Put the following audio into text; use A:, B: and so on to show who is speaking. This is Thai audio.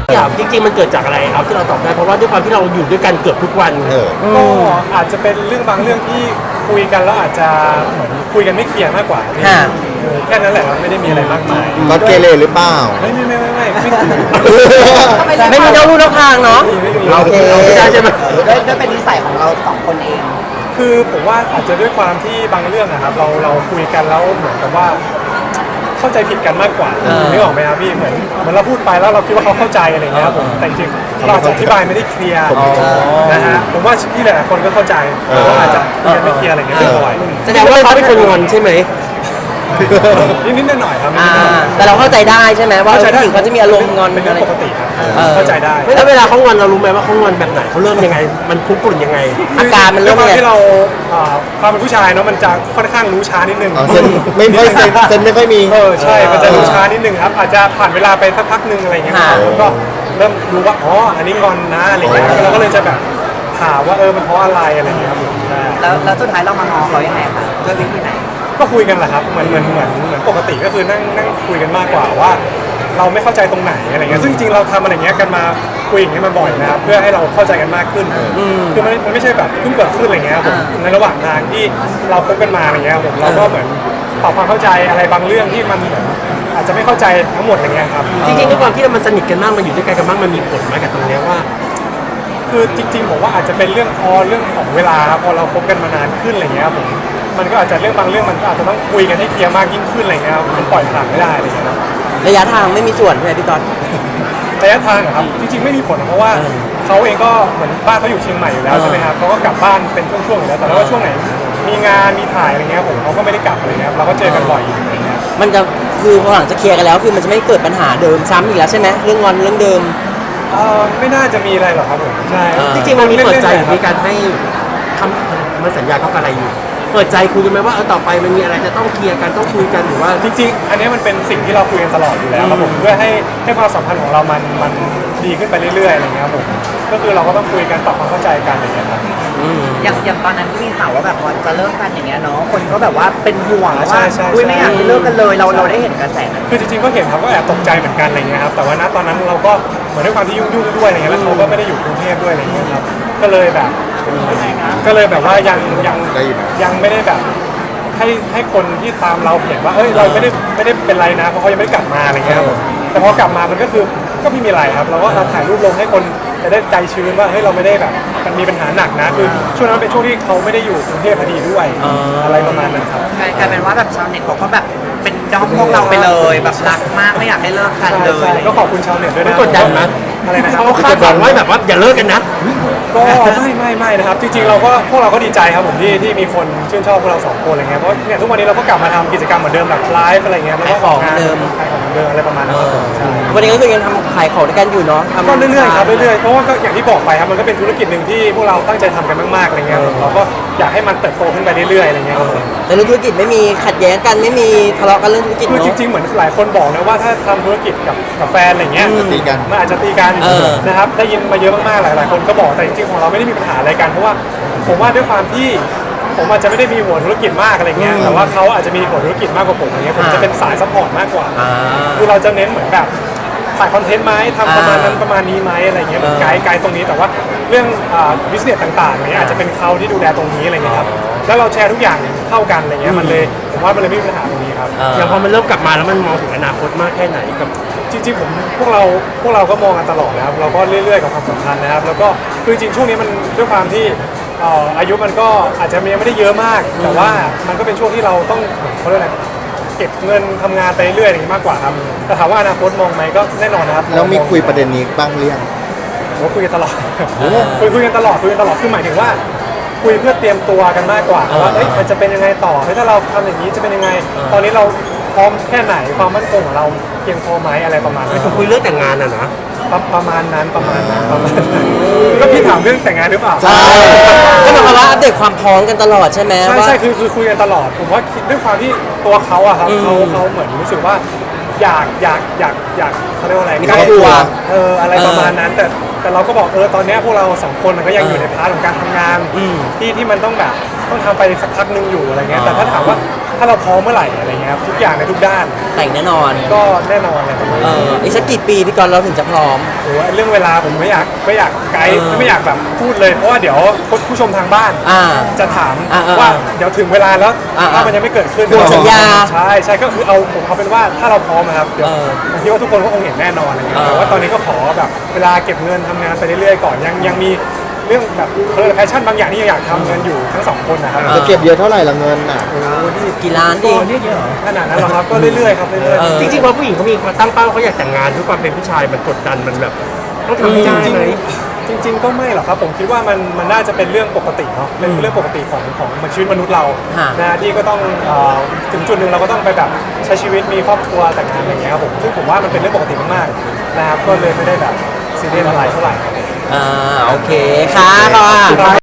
A: อยากจริงๆมันเกิดจากอะไรเอาที่เราตอบได้เพราะว่าด้วยความที่เราอยู่ด้วยกันเกือบทุกวัน
B: ก็อาจจะเป็นเรื่องบางเรื่องที่คุยกันแล้วอาจจะเหมือนคุยกันไม่เคลียร์มากกว่าแค่นั้นแหละไม่ได้มีอะไรมากมาย
C: ก็เกเรหรือเปล่า
B: ไม่ไม่
A: มีนอกลู่นอกทางเนาะโอเคใช่ไหม
D: ด้วยเป็นนิสัยของเราสองคนเอง
B: คือผมว่าอาจจะด้วยความที่บางเรื่องนะครับเราคุยกันแล้วเหมือนกับว่าเข้าใจผิดกันมากกว่านึกออกไหมครับพี่เหมือนเราพูดไปแล้วเราคิดว่าเขาเข้าใจอะไรเงี้ยครับผมแต่จริงๆเราอาจจะอธิบายไม่ได้เคลียร์นะฮะผมว่าพี่หลายๆคนก็เข้าใจว่าอาจจะคุยกันไม่เคลียร์อะไรเงี้ยไม่บ่อย
A: แสดงว่าเขาเป็นคนงอนใช่ไหม
B: นิดๆหน่อยๆครับ
A: แต่เราเข้าใจได้ใช่ไหมว่าผู้หญิงเขาจะมีอารมณ์งอน
B: เป็นเรื่องปกติครับเข้าใจได้
A: แล้วเวลาเขางอนเรารู้ไหมว่าเขางอนแบบไหนเขาเริ่มยังไงมันคุกรุ่นยังไงอาการมันเริ่มยังไง
B: ที่เราความเป็นผู้ชายเนาะมันจะค่อนข้างรู้ช้านิดนึง
C: เซนไม่ค่อยเซนไม่ค่อยมี
B: ใช่มันจะรู้ช้านิดนึงครับอาจจะผ่านเวลาไปสักพักนึงอะไรเงี้ยแล้วก็เริ่มรู้ว่าอ๋ออันนี้งอนนะอะไรเงี้ยเราก็เลยจะแบบถามว่ามันเพราะอะไรอะไรเงี้ยครับ
D: แล้วสุดท้ายเรามางอเขายังไงคะด้วยวิธีไหน
B: ก็คุยกันแหละครับเหมือนปกติก็คือนั่งคุยกันมากกว่าว่าเราไม่เข้าใจตรงไหนอะไรเงี้ยซึ่งจริงๆเราทำอะไรเงี้ยกันมาคุยอย่างเงี้ยมาบ่อยนะครับเพื่อให้เราเข้าใจกันมากขึ้นคือมันไม่ใช่แบบเพิ่งเกิดขึ้นอะไรเงี้ยผมในระหว่างทางที่เราคบกันมาอะไรเงี้ยผมเราก็เหมือนปรับความเข้าใจอะไรบางเรื่องที่มันอาจจะไม่เข้าใจทั้งหมดอะไรเงี้ยครับ
A: จริงๆด้วยความที่มันสนิทกันมากมันอยู่ด้วยกันมากมันมีผลมากับตรงนี้ว่า
B: คือจริงๆผมว่าอาจจะเป็นเรื่องของเวลาพอเราคบกันมานานขึ้นอะไรเงี้ยผมมันก็อาจจะเรื่องบางเรื่องมันอาจจะต้องคุยกันให้เคลียร์มากยิ่งขึ้นอะไรเงี้ยมันปล่อยผ่านไม่ได้อะไรเงี้ย
A: ระยะทางไม่มีส่วนใช่ไหมพี่ต๊อด
B: ระยะทางครับจริงๆไม่มีผลเพราะว่าเขาเองก็เหมือนบ้านเขาอยู่เชียงใหม่อยู่แล้วใช่ไหมครับเขาก็กลับบ้านเป็นช่วงๆอยู่แล้วแต่ว่าช่วงไหนมีงานมีถ่ายอะไรเงี้ยผมเขาก็ไม่ได้กลับอะไรเงี้ยเราก็เจอกันบ่อยอะไรเงี้ย
A: มันจะคือพอหลังจะเคลียร์กันแล้วคือมันจะไม่เกิดปัญหาเดิมซ้ำอีกแล้วใช่ไหมเรื่องงอนเรื่องเดิม
B: ไม่น่าจะมีอะไรหรอกครับผมใช่
A: จริงๆมันมีเปิดใจมีการให้คำมันสัญญาเขาอะไรอยู่เปิดใจคุยกันไหมว่าต่อไปมันมีอะไรจะต้องเคลียร์กันต้องคุยกันหรือว่า
B: จริงๆอันนี้มันเป็นสิ่งที่เราคุยกันตลอดอยู่แล้วครับผมเพื่อให้ความสัมพันธ์ของเรามันดีขึ้นไปเรื่อยๆอะไรเงี้ยครับผมก็คือเราก็ต้องคุยกันปรับความเข้าใจกันอะไรเงี้ยครับ
D: อย่างตอนนั้นที่มีข่าวว่าแบบวันจะเลิกกันอย่างเงี้ยเนาะคนก็แบบว่าเป็นห่วงว่าคุยไม่อยากให้เลิกกันเลยเราได้เห็นกระแส
B: คือจริงๆก็เห็นครับก็แอบตกใจเหมือนกันอะไรเงี้ยครับแต่ว่าณตอนนั้นเราก็เหมือนด้วยความที่ยุ่งด้วยอะไรเงี้ยแล้วเขาก็ไม่ได้อยู่กรุงเทพด้วยอะไรเงี้ยครับก็เลยแบบว่ายังไม่ได้แบบให้คนที่ตามเราเห็นว่าเราไม่ได้เป็นไรนะเพราะเขายังไม่ได้กลับมาอะไรเงี้ยครับแต่พอกลับมามันก็คือก็ไม่มีอะไรครับเราก็ถ่ายรูปลงให้คนจะได้ใจชื้นว่าเราไม่ได้แบบมันมีปัญหาหนักนะคือช่วงนั้นเป็นช่วงที่เขาไม่ได้อยู่กรุงเทพพอดีด้วยอะไรประมาณนั้นครับ
D: กลายเป็นว่าแบบชาวเน็ตเขาก็แบบเป็นด้อมพวกเราไปเลยแบบรักมากไม่อยากให้เลิกกันเลย
B: ก็ขอบคุณชาวเน็ตด้วยนะ
A: กดดันนะ
B: อะไรนะครับ
A: เขาคาดหวังไว้แบบว่าอย่าเลิกกันนะ
B: ก็ไม่นะครับจริงๆพวกเราก็ดีใจครับผมที่มีคนชื่นชอบพวกเราสองคนอะไรเงี้ยเพราะเนี่ยทุกวันนี้เราก็กลับมาทำกิจกรรมเหมือนเดิมแบบไลฟ์อะไรเงี้ยแล้วก็
A: ของเดิม
B: อะไรประมาณนั้น
A: วันนี้ก็คือยังทำขายของด้วยกันอยู่เนาะ
B: ก็เรื่อยๆครับเรื่อยๆเพราะว่าก็อย่างที่บอกไปครับมันก็เป็นธุรกิจหนึ่งที่พวกเราตั้งใจทำกันมากๆอะไรเงี้ยเราก็อยากให้มันเติบโตขึ้นไปเรื่อยๆอะไรเงี้ย
A: แต่เรื่องธุรกิจไม่มีขัดแย้งกันไม่มีทะเลาะกันเรื่องธุรกิจ
B: คือจริงๆเหมือนหลายคนบอกนะว่าถ้าทำธุรกิจกับแฟนอะไรเงี้ยมันอาจจะตีกันนะครับได้ยินมาเยอะมากๆหลายๆคนก็บอกแต่จริงๆของเราไม่ได้มีปัญหาอะไรกันเพราะว่าผมว่าด้วยความที่ผมอาจจะไม่ได้มีหัวธุรกิจมากอะไรเงี้ยแต่ว่าเขาอาจจะมีหัวธุรกิจมากกว่าผมอะไรเงี้ยผมจะเป็นสายซัพพอร์ตมากกว่าคือเราจะเน้นเหมือนแบบถ่ายคอนเทนต์ไหมทำประมาณนั้นประมาณนี้ไหมอะไรเงี้ยไกด์ตรงนี้แต่ว่าเรื่องบิสเนสต่างๆเนี้ยอาจจะเป็นเขาที่ดูแลตรงนี้อะไรเงี้ยครับแล้วเราแชร์ทุกอย่างเท่ากันอะไรเงี้ยมันเลยผมว่ามันเลยไม่มีปัญหาตรงนี้ครับ
A: อย่างพอมันเริ่มกลับมาแล้วมันมองถึงอนาคตมากแค่ไหนกับ
B: จริงๆพวกเราก็มองกันตลอดนะครับเราก็เรื่อยๆกับความสัมพันธ์นะครับแล้วก็คือจริงช่วงนี้มันด้วยความที่อายุมันก็อาจจะยังไม่ได้เยอะมากแต่ว่ามันก็เป็นช่วงที่เราต้องเขาเรียกอะไรเก็บเงินทำงานไปเรื่อยๆอย่างนี้มากกว่าครับแต่ถามว่าอนาคตมองไหมก็แน่นอนนะครับ
C: แล้วมีคุยประเด็นนี้บ้างหรือยัง
B: คุยกันตลอดคุยกันตลอดคือหมายถึงว่าคุยเพื่อเตรียมตัวกันมากกว่าว่ามันจะเป็นยังไงต่อถ้าเราทำอย่างนี้จะเป็นยังไงตอนนี้เราพร้อมแค่ไหนความมั่นคงของเราเพียงพอไหมอะไรประมาณนั้น
A: คุยเรื่องแต่งงานนะ
B: ประมาณนั้นก็พี่ถามเรื่องแต่งงานหรือเปล่า
A: ใช่ก็หมายความว่าอัปเดตความพร้อมกันตลอดใช่ไหม
B: ใช่คือคุยกันตลอดผมว่าด้วยความที่ตัวเขาอะครับเขาเหมือนรู้สึกว่าอยากเขาเรียกว่าอะไร
A: ใกล้ตัว
B: อะไรประมาณนั้นแต่เราก็บอกตอนนี้พวกเราสองคนมันก็ยังอยู่ในพาร์ทของการทำงานที่มันต้องแบบต้องทำไปสักพักนึงอยู่อะไรเงี้ยแต่ถ้าถามว่าถ้าเราพร้อมเมื่อไหร่อะไรเงี้ยครับทุกอย่างในทุกด้าน
E: แต่งแน่นอน
B: ก็แน่นอนเลยประมาณ
E: เอ
B: นี้
E: ออีกสักกี่ปีพี่กรณ์เราถึงจะพร้อม
B: โอ้โหเรื่องเวลาผมไม่อยากไกด์ ไม่อยากแบบพูดเลยเพราะว่าเดี๋ยวผู้ชมทางบ้าน
E: อ่า
B: จะถาม
E: อ่า
B: ว่าเดี๋ยวถึงเวลาแล้ว
E: อ่า
B: ถ้ามันยังไม่เกิดขึ้น
E: ทวงสัญญา
B: ใช่ก็คือผมเอาเป็นว่าถ้าเราพร้อมนะครับเดี๋ยว
E: เออ
B: ผมคิดว่าทุกคนก็คงเห็นแน่นอนอะไรเงี้ย
E: เออ
B: แต่ว่าตอนนี้ก็ขอแบบเวลาเก็บเงินทำงานไปเรื่อยๆก่อนยังมีเรื่องแบบแพชชั่นบางอย่างที่ยังอยากทำกันอยู่ทั้งสองคนนะครับ
C: จะเก็บเยอะเท่าไหร่ละเงินอ่ะ
E: กี่ล้านดิ
B: ขนาดนั้นเหรอครับก็เรื่อยๆครับเรื่อย
E: เออ
A: จริงๆพอผู้หญิงเขามีความตั้งเป้าเขาอยากแต่งงานด้วยความเป็นผู้ชายมันกดดันมันแบบต้องทำให้ได้ไหม
B: ๆจริง ๆ ก็ไม่หรอกครับผมคิดว่ามันน่าจะเป็นเรื่องปกติเนาะเป็นเรื่องปกติของชีวิตมนุษย์เรา
E: ฮะ
B: นะที่ก็ต้องถึงจุดหนึ่งเราก็ต้องไปแบบใช้ชีวิตมีครอบครัวแต่งงานอะไรอย่างเงี้ยครับผมซึ่งผมว่ามันเป็นเรื่องปกติมากๆนะครับก็เลยไม่ได้แบบซีเรียสอะไรเท่าไหร่
E: อ่าโอเคค่ะค่ะ